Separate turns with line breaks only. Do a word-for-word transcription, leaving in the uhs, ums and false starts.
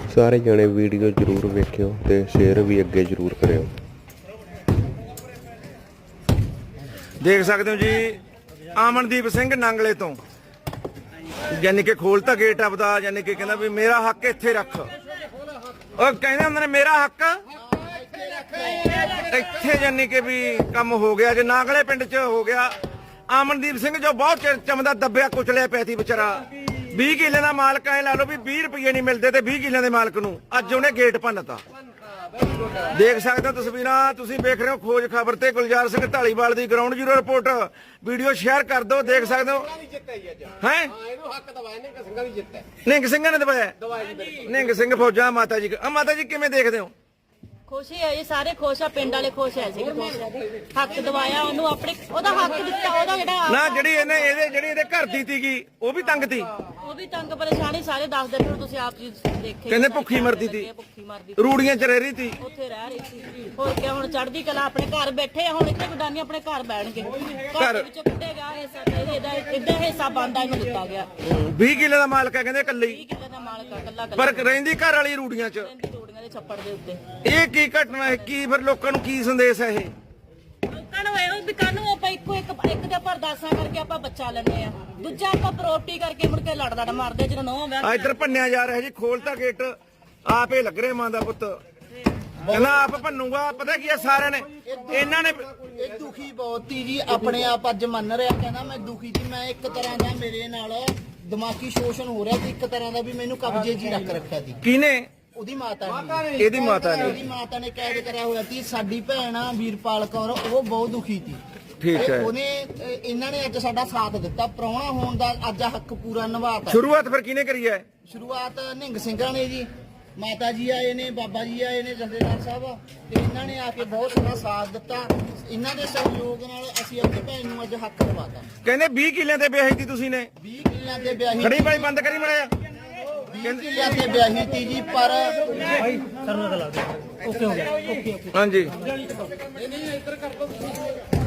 ਸਾਰੇ ਜਣੇ ਵੀਡੀਓ ਜ਼ਰੂਰ ਵੇਖਿਓ ਤੇ ਸ਼ੇਅਰ ਵੀ ਅੱਗੇ ਜ਼ਰੂਰ ਕਰਿਓ।
ਦੇਖ ਸਕਦੇ ਹੋ ਜੀ ਆਮਨਦੀਪ ਸਿੰਘ ਨਾਂਗਲੇ ਤੋਂ, ਯਾਨੀ ਕਿ ਖੋਲਤਾ ਗੇਟ ਆਪਦਾ, ਯਾਨੀ ਕਿ ਕਹਿੰਦਾ ਵੀ ਮੇਰਾ ਹੱਕ ਇੱਥੇ ਰੱਖ। ਉਹ ਕਹਿੰਦੇ ਹੁੰਦੇ ਨੇ ਮੇਰਾ ਹੱਕ ਇੱਥੇ, ਯਾਨੀ ਕਿ ਵੀ ਕੰਮ ਹੋ ਗਿਆ ਜੇ ਨਾਂਗਲੇ ਪਿੰਡ 'ਚ ਹੋ ਗਿਆ। ਆਮਨਦੀਪ ਸਿੰਘ ਜੋ ਬਹੁਤ ਚਿਰ ਚਮਦਾ ਦੱਬਿਆ ਕੁਚਲਿਆ ਪਿਆ ਸੀ ਵਿਚਾਰਾ, ਵੀਹ ਕਿੱਲੇ ਦਾ ਮਾਲਕ ਐ ਲਾ ਲਓ ਵੀ ਵੀਹ ਰੁਪਏ ਨਹੀਂ ਮਿਲਦੇ ਤੇ ਵੀਹ ਕਿੱਲਿਆਂ ਦੇ ਮਾਲਕ ਨੂੰ ਅੱਜ ਉਹਨੇ ਗੇਟ ਭੰਨਤਾ। ਦੇਖ ਸਕਦੇ ਹੋ ਤਸਵੀਰਾਂ, ਤੁਸੀਂ ਵੇਖ ਰਹੇ ਹੋ ਖੋਜ ਖਬਰ ਤੇ ਗੁਲਜ਼ਾਰ ਸਿੰਘ ਢਾਲੀਵਾਲ ਦੀ ground zero report. Video share ਕਰ ਦਿਓ। ਦੇਖ ਸਕਦੇ ਹੋ ਹੈ ਨਿੰਗ ਸਿੰਘਾਂ ਨੇ ਦਵਾਇਆ, ਨਿੰਗ ਸਿੰਘ ਫੌਜਾਂ ਮਾਤਾ ਜੀ। ਮਾਤਾ ਜੀ ਕਿਵੇਂ ਦੇਖਦੇ ਹੋ?
ਖੁਸ਼ ਹੈ ਜੀ, ਸਾਰੇ ਖੁਸ਼ ਆ, ਪਿੰਡ ਵਾਲੇ ਖੁਸ਼ ਹੈ ਸੀ, ਹੱਕ ਦਵਾਇਆ ਉਹਨੂੰ, ਆਪਣੇ ਉਹਦਾ ਹੱਕ ਦਿੱਤਾ। ਉਹਦਾ ਜਿਹੜਾ
ਨਾ ਜਿਹੜੀ ਇਹਨੇ ਇਹਦੇ ਜਿਹੜੀ ਇਹਦੇ ਘਰ ਦੀ ਸੀਗੀ ਉਹ ਵੀ ਤੰਗ ਤੀ,
ਉਹ ਵੀ ਤੰਗ ਪਰੇਸ਼ਾਨੀ ਸਾਰੇ ਦੱਸਦੇ ਫਿਰ ਤੁਸੀਂ ਆਪ ਜੀ ਦੇਖੇ।
ਕਹਿੰਦੇ ਭੁੱਖੀ ਮਰਦੀ ਤੀ,
ਭੁੱਖੀ ਮਰਦੀ
ਰੂੜੀਆਂ ਚ ਰਹਿ ਰਹੀ ਤੀ,
ਉੱਥੇ ਰਹਿ ਰਹੀ ਸੀ। ਹੋਰ ਕਿਆ, ਹੁਣ ਚੜ੍ਹਦੀ ਕਲਾ ਆਪਣੇ ਘਰ ਬੈਠੇ ਆ, ਹੁਣ ਇੱਥੇ ਗੁਡਾਨੀ ਆਪਣੇ ਘਰ ਬੈਣਗੇ। ਘਰ ਵਿੱਚੋਂ ਕੱਢੇਗਾ ਹਿੱਸਾ, ਇਹਦਾ ਇਹਦਾ ਹਿੱਸਾ ਬਣਦਾ ਇਹਨੂੰ ਦਿੱਤਾ ਗਿਆ।
ਵੀਹ ਕਿੱਲੇ ਦਾ ਮਾਲਕ ਹੈ ਕਹਿੰਦੇ ਇਕੱਲੇ
ਵੀਹ ਕਿੱਲੇ ਦਾ ਮਾਲਕ ਆ ਕੱਲਾ
ਪਰ ਰਹਿੰਦੀ ਘਰ ਵਾਲੀ ਰੂੜੀਆਂ ਚ।
ਰੋੜੀਆਂ ਦੇ ਛੱਪੜ ਦੇ ਉੱਤੇ
ਇਹ ਕੀ ਘਟਨਾ ਹੈ? ਕੀ ਫਿਰ ਲੋਕਾਂ ਨੂੰ ਕੀ ਸੰਦੇਸ਼ ਹੈ ਇਹ?
ਲੋਕਾਂ ਨੂੰ ਇਹੋ ਵੀ ਕਾਨੂੰ ਆਪਾਂ ਇੱਕੋ ਇੱਕ ਇੱਕ ਦੇ ਪਰਦਾਸਾਂ ਕਰਕੇ ਆਪਾਂ ਬੱਚਾ ਲੈਂਦੇ ਆ, ਦੂਜਾ ਆਪਾਂ ਪ੍ਰੋਪਰਟੀ ਕਰਕੇ ਮੁੜ ਕੇ ਲੜ ਲੜ ਮਾਰਦੇ ਜਦੋਂ ਨੌਂ ਵਿਆਹ।
ਆ ਇੱਧਰ ਭੰਨਿਆ ਜਾ ਰਿਹਾ ਜੀ, ਖੋਲਤਾ ਗੇਟ, ਆਪੇ ਲੱਗ ਰਿਹਾ ਮਾਂ ਦਾ ਪੁੱਤ, ਕਹਿੰਦਾ ਆਪ ਭੰਨੂਗਾ। ਪਤਾ ਕੀ ਆ ਸਾਰਿਆਂ ਨੇ ਇਹਨਾਂ ਨੇ
ਇਹ ਦੁਖੀ ਬਹੁਤ ਹੀ ਜੀ, ਆਪਣੇ ਆਪ ਅੱਜ ਮੰਨ ਰਿਹਾ, ਕਹਿੰਦਾ ਮੈਂ ਦੁਖੀ ਸੀ, ਮੈਂ ਇੱਕ ਤਰ੍ਹਾਂ ਦਾ ਮੇਰੇ ਨਾਲ ਦਿਮਾਗੀ ਸ਼ੋਸ਼ਣ ਹੋ ਰਿਹਾ ਸੀ, ਇੱਕ ਤਰ੍ਹਾਂ ਦਾ ਵੀ ਮੈਨੂੰ ਕਬਜ਼ੇ 'ਚ ਹੀ ਰੱਖ ਰੱਖਿਆ ਸੀ।
ਕਿਹਨੇ?
ਉਹਦੀ ਮਾਤਾ ਨੇ,
ਇਹਦੀ ਮਾਤਾ ਨੇ,
ਉਹਦੀ ਮਾਤਾ ਨੇ ਕੈਦ ਕਰਿਆ ਹੋਇਆ ਸੀ। ਸਾਡੀ ਭੈਣ ਆ ਵੀਰਪਾਲ ਕੌਰ, ਉਹ ਬਹੁਤ ਦੁਖੀ ਸੀ।
ਠੀਕ ਹੈ,
ਉਹਨੇ ਇਹਨਾਂ ਨੇ ਅੱਜ ਸਾਡਾ ਸਾਥ ਦਿੱਤਾ, ਪ੍ਰਾਹੁਣਾ ਹੋਣ ਦਾ ਅੱਜ ਹੱਕ ਪੂਰਾ ਨਿਭਾਤਾ।
ਸ਼ੁਰੂਆਤ ਫਿਰ ਕਿਹਨੇ ਕਰੀ ਹੈ?
ਸ਼ੁਰੂਆਤ ਨਿੰਗ ਸਿੰਘਾਂ ਨੇ ਜੀ, ਮਾਤਾ ਜੀ ਆਏ ਨੇ, ਬਾਬਾ ਜੀ ਆਏ ਨੇ, ਜਥੇਦਾਰ ਸਾਹਿਬ, ਤੇ ਇਹਨਾਂ ਨੇ ਆ ਕੇ ਬਹੁਤ ਸਾਰਾ ਸਾਥ ਦਿੱਤਾ। ਇਹਨਾਂ ਦੇ ਸਹਿਯੋਗ ਨਾਲ ਅਸੀਂ ਆਪਣੀ ਭੈਣ ਨੂੰ ਅੱਜ ਹੱਕ ਦਿਵਾਤਾ।
ਕਹਿੰਦੇ ਵੀਹ ਕਿੱਲਿਆਂ ਤੇ ਵਿਆਹੀ ਤੀ ਤੁਸੀਂ ਨੇ?
ਵੀਹ ਕਿੱਲਿਆਂ ਤੇ ਵਿਆਹੀ,
ਖੜੀ ਬਾਈ ਬੰਦ ਕਰੀ ਮੜਿਆ।
ਵੀਹ ਕਿੱਲਿਆਂ ਤੇ ਵਿਆਹੀ ਤੀ ਜੀ, ਪਰ
ਹਾਂਜੀ